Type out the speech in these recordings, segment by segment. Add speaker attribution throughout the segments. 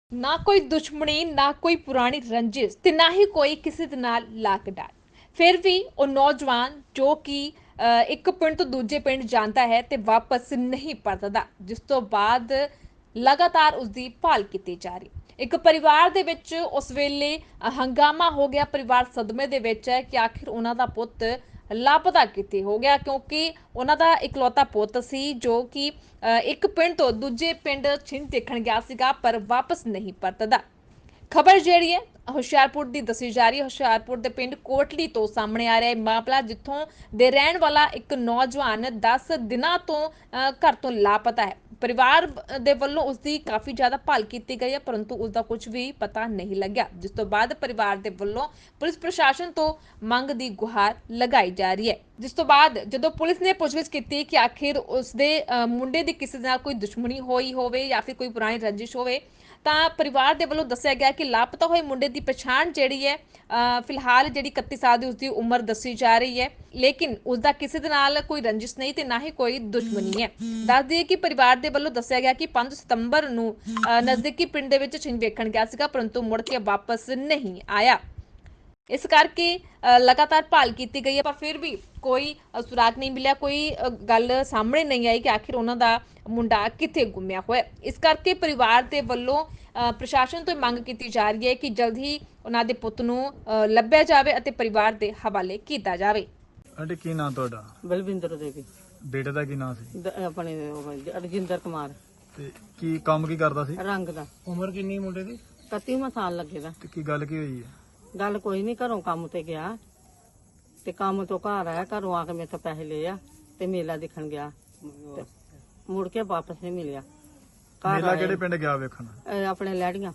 Speaker 1: ना कोई दुश्मनी ना कोई पुरानी रंजिश ते ना ही कोई किसी दे नाल लाक डाट। फिर भी वो नौजवान जो कि एक पिंड तो दूजे पिंड ਜਾਂਦਾ ਹੈ ਤੇ ਵਾਪਸ ਨਹੀਂ ਪਰਤਦਾ, ਜਿਸ ਤੋਂ ਬਾਅਦ ਲਗਾਤਾਰ ਉਸ ਦੀ ਭਾਲ ਕੀਤੀ ਜਾ ਰਹੀ। ਇੱਕ ਪਰਿਵਾਰ ਦੇ ਵਿੱਚ ਉਸ ਵੇਲੇ ਹੰਗਾਮਾ ਹੋ ਗਿਆ। ਪਰਿਵਾਰ ਸਦਮੇ ਦੇ ਵਿੱਚ ਹੈ ਕਿ ਆਖਿਰ ਉਹਨਾਂ ਦਾ ਪੁੱਤ ਲਾਪਤਾ ਕਿਤੇ ਹੋ ਗਿਆ, ਕਿਉਂਕਿ ਉਹਨਾਂ ਦਾ ਇਕਲੌਤਾ ਪੁੱਤ ਸੀ ਜੋ ਕਿ ਇੱਕ ਪਿੰਡ ਤੋਂ ਦੂਜੇ ਪਿੰਡ ਛਿੰਝ ਦੇਖਣ ਗਿਆ ਸੀਗਾ, ਪਰ ਵਾਪਸ ਨਹੀਂ ਪਰਤਦਾ। ਖਬਰ ਜਿਹੜੀ ਹੈ ਹੁਸ਼ਿਆਰਪੁਰ ਦੀ ਦੱਸੀ ਜਾ ਰਹੀ ਹੈ। ਹੁਸ਼ਿਆਰਪੁਰ ਦੇ ਪਿੰਡ ਕੋਟਲੀ ਤੋਂ ਸਾਹਮਣੇ ਆ ਰਿਹਾ ਹੈ ਮਾਮਲਾ, ਜਿੱਥੋਂ ਦੇ ਰਹਿਣ ਵਾਲਾ ਇੱਕ ਨੌਜਵਾਨ 10 ਦਿਨਾਂ ਤੋਂ ਘਰ ਤੋਂ ਲਾਪਤਾ ਹੈ। ਪਰਿਵਾਰ ਦੇ ਵੱਲੋਂ ਉਸ ਦੀ ਕਾਫੀ ਜ਼ਿਆਦਾ ਭਾਲ ਕੀਤੀ ਗਈ ਹੈ, ਪਰੰਤੂ ਉਸ ਦਾ ਕੁਝ ਵੀ ਪਤਾ ਨਹੀਂ ਲੱਗਿਆ, ਜਿਸ ਤੋਂ ਬਾਅਦ ਪਰਿਵਾਰ ਦੇ ਵੱਲੋਂ ਪੁਲਿਸ ਪ੍ਰਸ਼ਾਸਨ ਤੋਂ ਮੰਗ ਦੀ ਗੁਹਾਰ ਲਗਾਈ ਜਾ ਰਹੀ ਹੈ। ਜਿਸ ਤੋਂ ਬਾਅਦ ਜਦੋਂ ਪੁਲਿਸ ਨੇ ਪੁੱਛਗਿੱਛ ਕੀਤੀ ਕਿ ਆਖਿਰ ਉਸ ਦੇ ਮੁੰਡੇ ਦੀ ਕਿਸੇ ਨਾਲ ਕੋਈ ਦੁਸ਼ਮਣੀ ਹੋਈ ਹੋਵੇ ਜਾਂ ਫਿਰ ਕੋਈ ਪੁਰਾਣੀ ਰੰਜਿਸ਼ ਹੋਵੇ, ਤਾਂ ਪਰਿਵਾਰ ਦੇ ਵੱਲੋਂ ਦੱਸਿਆ ਗਿਆ ਕਿ ਲਾਪਤਾ ਹੋਏ ਮੁੰਡੇ ਦੀ ਪਛਾਣ ਜਿਹੜੀ ਹੈ ਫਿਲਹਾਲ ਜਿਹੜੀ 31 ਸਾਲ ਦੀ ਉਸ ਦੀ ਉਮਰ ਦੱਸੀ ਜਾ ਰਹੀ ਹੈ, ਲੇਕਿਨ ਉਸ ਦਾ ਕਿਸੇ ਦੇ ਨਾਲ ਕੋਈ ਰੰਜਿਸ਼ ਨਹੀਂ ਤੇ ਨਾ ਹੀ ਕੋਈ ਦੁਸ਼ਮਣੀ ਹੈ। ਦੱਸ ਦਈਏ ਕਿ ਪਰਿਵਾਰ ਦੇ ਵੱਲੋਂ ਦੱਸਿਆ ਗਿਆ ਕਿ 5 ਸਤੰਬਰ ਨੂੰ ਨਜ਼ਦੀਕੀ ਪਿੰਡ ਦੇ ਵਿੱਚ ਛਿੰਝ ਵੇਖਣ ਗਿਆ ਸੀਗਾ, ਪਰੰਤੂ ਮੁੜ ਕੇ ਵਾਪਸ ਨਹੀਂ ਆਇਆ। ਇਸ ਕਰਕੇ ਲਗਾਤਾਰ ਭਾਲ ਕੀਤੀ ਗਈ ਹੈ, ਪਰ ਫਿਰ ਵੀ ਕੋਈ ਸੁਰਾਗ ਨਹੀਂ ਮਿਲਿਆ, ਕੋਈ ਗੱਲ ਸਾਹਮਣੇ ਨਹੀਂ ਆਈ ਕਿ ਆਖਿਰ ਉਹਨਾਂ ਦਾ ਮੁੰਡਾ ਕਿੱਥੇ ਗੁੰਮਿਆ ਹੋਇਆ। ਇਸ ਕਰਕੇ ਪਰਿਵਾਰ ਦੇ ਵੱਲੋਂ ਪ੍ਰਸ਼ਾਸਨ ਤੋਂ ਮੰਗ ਕੀਤੀ ਜਾ ਰਹੀ ਹੈ ਕਿ ਜਲਦ ਹੀ ਉਹਨਾਂ ਦੇ ਪੁੱਤ ਨੂੰ ਲੱਭਿਆ ਜਾਵੇ ਅਤੇ ਪਰਿਵਾਰ ਦੇ ਹਵਾਲੇ ਕੀਤਾ ਜਾਵੇ।
Speaker 2: ਆਂਟੀ ਕੀ ਨਾਮ ਤੁਹਾਡਾ?
Speaker 3: ਬਲਵਿੰਦਰ ਦੇਵੀ।
Speaker 2: ਬੇਟੇ ਦਾ ਕੀ ਨਾਮ ਸੀ?
Speaker 3: ਆਪਣੇ ਰਜਿੰਦਰ ਕੁਮਾਰ।
Speaker 2: ਤੇ ਕੀ ਕੰਮ ਕੀ ਕਰਦਾ ਸੀ?
Speaker 3: ਰੰਗ ਦਾ।
Speaker 2: ਉਮਰ ਕਿੰਨੀ ਮੁੰਡੇ ਦੀ?
Speaker 3: 31ਵਾਂ ਸਾਲ ਲੱਗੇਗਾ।
Speaker 2: ਤੇ ਕੀ ਗੱਲ ਕੀ ਹੋਈ ਹੈ?
Speaker 3: ਗੱਲ ਕੋਈ ਨਹੀਂ, ਘਰੋਂ ਕੰਮ ਤੇ ਗਿਆ ਤੇ ਕੰਮ ਤੋਂ ਘਰ ਆਇਆ, ਘਰੋਂ ਆ ਕੇ ਮੇਰੇ ਤੋਂ ਪੈਸੇ ਲਏ ਆ ਤੇ ਮੇਲਾ ਦੇਖਣ ਗਿਆ ਤੇ ਮੁੜ ਕੇ ਵਾਪਸ ਨਹੀਂ ਮਿਲਿਆ।
Speaker 2: ਮੇਲਾ ਕਿਹੜੇ ਪਿੰਡ ਗਿਆ ਵੇਖਣ?
Speaker 3: ਆਪਣੇ ਲੈੜੀਆਂ।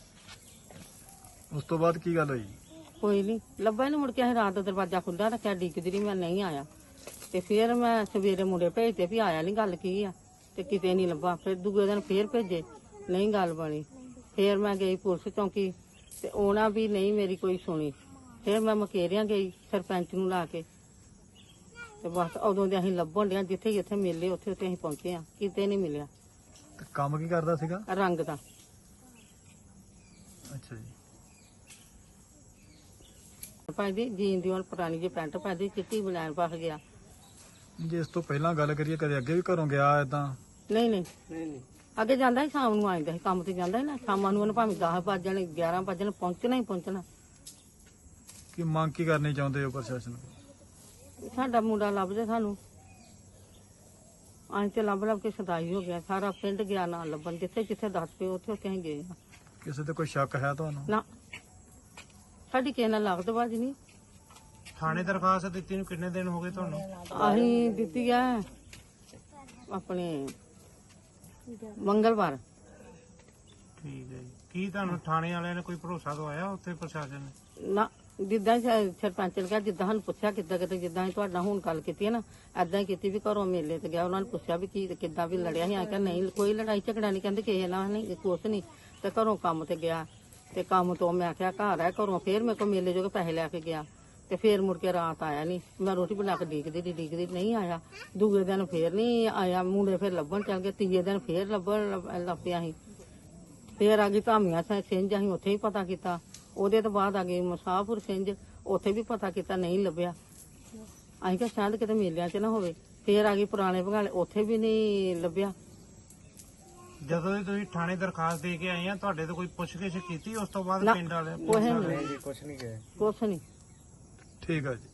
Speaker 2: ਉਸ ਤੋਂ ਬਾਅਦ ਕੀ ਗੱਲ ਹੋਈ?
Speaker 3: ਕੋਈ ਨਹੀਂ ਲੱਭਾ ਨਹੀਂ, ਮੁੜ ਕੇ ਅਸੀਂ ਰਾਤ ਦਾ ਦਰਵਾਜ਼ਾ ਖੁੱਲ੍ਹਾ ਰੱਖਿਆ, ਡਿੱਗਦੀ ਰਹੀ, ਮੈਂ ਨਹੀਂ ਆਇਆ। ਤੇ ਫਿਰ ਮੈਂ ਸਵੇਰੇ ਮੁੰਡੇ ਭੇਜਦੇ ਵੀ ਆਇਆ ਨਹੀਂ, ਗੱਲ ਕੀ ਆ, ਤੇ ਕਿਤੇ ਨਹੀਂ ਲੱਭਾ। ਫਿਰ ਦੂਜੇ ਦਿਨ ਫੇਰ ਭੇਜੇ, ਨਹੀਂ ਗੱਲ ਬਣੀ। ਫਿਰ ਮੈਂ ਗਈ ਪੁਲਿਸ ਚੌਂਕੀ ਤੇ ਉਹਨਾਂ ਵੀ ਨਹੀਂ ਮੇਰੀ ਕੋਈ ਸੁਣੀ। ਫਿਰ ਮੈਂ ਮਕੇਰੀਆਂ ਗਈ ਸਰਪੰਚ ਨੂੰ ਲਾ ਕੇ, ਤੇ ਬਸ ਉਦੋਂ ਦੇ ਅਸੀਂ ਲੱਭਣ ਡਿਆ, ਜਿੱਥੇ ਜਿੱਥੇ ਮਿਲੇ ਉੱਥੇ ਉੱਥੇ ਅਸੀਂ ਪਹੁੰਚੇ ਆ, ਕਿਤੇ ਨਹੀਂ ਮਿਲਿਆ।
Speaker 2: ਤੇ ਕੰਮ ਕੀ ਕਰਦਾ ਸੀਗਾ?
Speaker 3: ਰੰਗ ਦਾ।
Speaker 2: ਅੱਛਾ ਜੀ।
Speaker 3: ਪਾਈਦੀ ਜੀਨ ਦੀ ਹੁਣ ਪੁਰਾਣੀ ਜਿਹੀ ਪੈਂਟ ਪਾਈਦੀ, ਚਿੱਟੀ ਬਲੈਨ ਪਾ ਗਿਆ।
Speaker 2: ਜੇ ਇਸ ਤੋਂ ਪਹਿਲਾਂ ਗੱਲ ਕਰੀਏ, ਕਦੇ ਅੱਗੇ ਵੀ ਘਰੋਂ ਗਿਆ ਏਦਾਂ?
Speaker 3: ਨਹੀਂ ਨਹੀਂ ਨਹੀਂ, ਅੱਗੇ ਜਾਂਦਾ ਸੀ, ਸ਼ਾਮ ਨੂੰ ਆਉਂਦਾ ਸੀ, ਕੰਮ ਤੇ ਜਾਂਦਾ ਸੀ ਨਾ, ਸ਼ਾਮਾਂ ਨੂੰ ਉਹਨੇ ਭਾਵੇਂ 10 ਵੱਜ ਜਾਣੇ 11 ਵੱਜ ਜਾਣੇ, ਪਹੁੰਚਣਾ ਹੀ ਪਹੁੰਚਣਾ।
Speaker 2: ਕੀ ਮੰਗ ਕੀ ਕਰਨੀ ਚਾਹੁੰਦੇ ਹੋ ਪ੍ਰਸ਼ਾਸਨ ਕੋਲ?
Speaker 3: ਸਾਡਾ ਮੁੰਡਾ ਲੱਭਦੇ ਸਾਨੂੰ, ਅਸੀਂ ਤੇ ਲੱਭ ਕੇ ਸਦਾਈ ਹੋ ਗਿਆ, ਸਾਰਾ ਪਿੰਡ ਗਿਆ ਨਾ ਲੱਭਣ, ਜਿੱਥੇ ਜਿੱਥੇ ਦੱਸ ਪਏ ਉੱਥੇ ਉੱਥੇ ਅਸੀਂ ਗਏ।
Speaker 2: ਕਿਸੇ ਤੇ ਕੋਈ ਸ਼ੱਕ ਹੈ ਤੁਹਾਨੂੰ?
Speaker 3: ਨਾ, ਸਾਡੀ ਕਿਸੇ ਨਾਲ ਲੱਗਦ ਬਾਜ ਨਹੀਂ।
Speaker 4: ਥਾਣੇ ਦਰਖਾਸਤ ਦਿੱਤੀ ਨੂੰ ਕਿੰਨੇ ਦਿਨ ਹੋ ਗਏ ਤੁਹਾਨੂੰ?
Speaker 3: ਅਸੀਂ ਦਿੱਤੀ ਆ ਆਪਣੇ ਮੰਗਲਵਾਰ।
Speaker 4: ਠੀਕ ਹੈ ਜੀ। ਕੀ ਤੁਹਾਨੂੰ ਥਾਣੇ ਵਾਲਿਆਂ ਨੇ ਕੋਈ ਭਰੋਸਾ ਦਵਾਇਆ ਉੱਥੇ ਪ੍ਰਸ਼ਾਸਨ ਨੇ?
Speaker 3: ਨਾ, ਜਿੱਦਾਂ ਸਰਪੰਚ ਨੇ ਕਿਹਾ, ਜਿੱਦਾਂ ਸਾਨੂੰ ਪੁੱਛਿਆ ਕਿੱਦਾਂ ਕਿਤੇ, ਜਿੱਦਾਂ ਅਸੀਂ ਤੁਹਾਡਾ ਹੁਣ ਗੱਲ ਕੀਤੀ ਹੈ ਨਾ, ਏਦਾਂ ਹੀ ਕੀਤੀ ਵੀ ਘਰੋਂ ਮੇਲੇ ਤੇ ਗਿਆ। ਉਹਨਾਂ ਨੇ ਪੁੱਛਿਆ ਵੀ ਕੀ ਕਿੱਦਾਂ ਵੀ ਲੜਿਆ ਸੀ, ਆ ਕਿ ਨਹੀਂ ਕੋਈ ਲੜਾਈ ਝਗੜਾ ਨਹੀਂ, ਕਹਿੰਦੇ ਕਿਸੇ ਨਾਲ ਨਹੀਂ, ਕੁਛ ਨਹੀਂ। ਤੇ ਘਰੋਂ ਕੰਮ ਤੇ ਗਿਆ, ਤੇ ਕੰਮ ਤੋਂ ਮੈਂ ਆਖਿਆ ਘਰ ਆ, ਘਰੋਂ ਫੇਰ ਮੇਰੇ ਕੋਲ ਮੇਲੇ ਜੋ ਪੈਸੇ ਲੈ ਕੇ ਗਿਆ, ਤੇ ਫੇਰ ਮੁੜ ਕੇ ਰਾਤ ਆਇਆ ਨਹੀਂ। ਮੈਂ ਰੋਟੀ ਬਣਾ ਕੇ ਡੀਕਦੀ ਨਹੀਂ ਆਇਆ। ਦੂਜੇ ਦਿਨ ਫੇਰ ਨਹੀਂ ਆਇਆ, ਮੁੰਡੇ ਫੇਰ ਲੱਭਣ ਚੱਲ ਗਏ। ਤੀਜੇ ਦਿਨ ਫੇਰ ਲੱਭਣ ਲੱਭਿਆ ਸੀ। ਫੇਰ ਆ ਗਈ ਧਾਮੀਆਂ ਸਿੰਝ, ਅਸੀਂ ਉੱਥੇ ਹੀ ਪਤਾ ਕੀਤਾ। ਉਹਦੇ ਤੋਂ ਬਾਅਦ ਆ ਗਈ ਮੁਸਾਫਰ ਸਿੰਝ, ਉੱਥੇ ਵੀ ਪਤਾ ਕੀਤਾ, ਨਹੀਂ ਲੱਭਿਆ। ਅਸੀਂ ਕਿਹਾ ਸ਼ਾਇਦ ਕਿਤੇ ਮੇਲਿਆਂ 'ਚ ਨਾ ਹੋਵੇ। ਫੇਰ ਆ ਗਈ ਪੁਰਾਣੇ ਭਗਾਲੇ, ਉੱਥੇ ਵੀ ਨਹੀਂ ਲੱਭਿਆ।
Speaker 4: ਜਦੋਂ ਦੀ ਤੁਸੀਂ ਥਾਣੇ ਦਰਖਾਸਤ ਦੇ ਕੇ ਆਏ ਆ, ਤੁਹਾਡੇ ਤੋਂ ਕੋਈ ਪੁੱਛਗਿੱਛ ਕੀਤੀ ਉਸ ਤੋਂ ਬਾਅਦ
Speaker 3: ਨਾ,
Speaker 4: ਪਿੰਡ ਵਾਲੇ?
Speaker 3: ਕੁਛ ਨਹੀਂ।
Speaker 2: ਠੀਕ ਹੈ ਜੀ।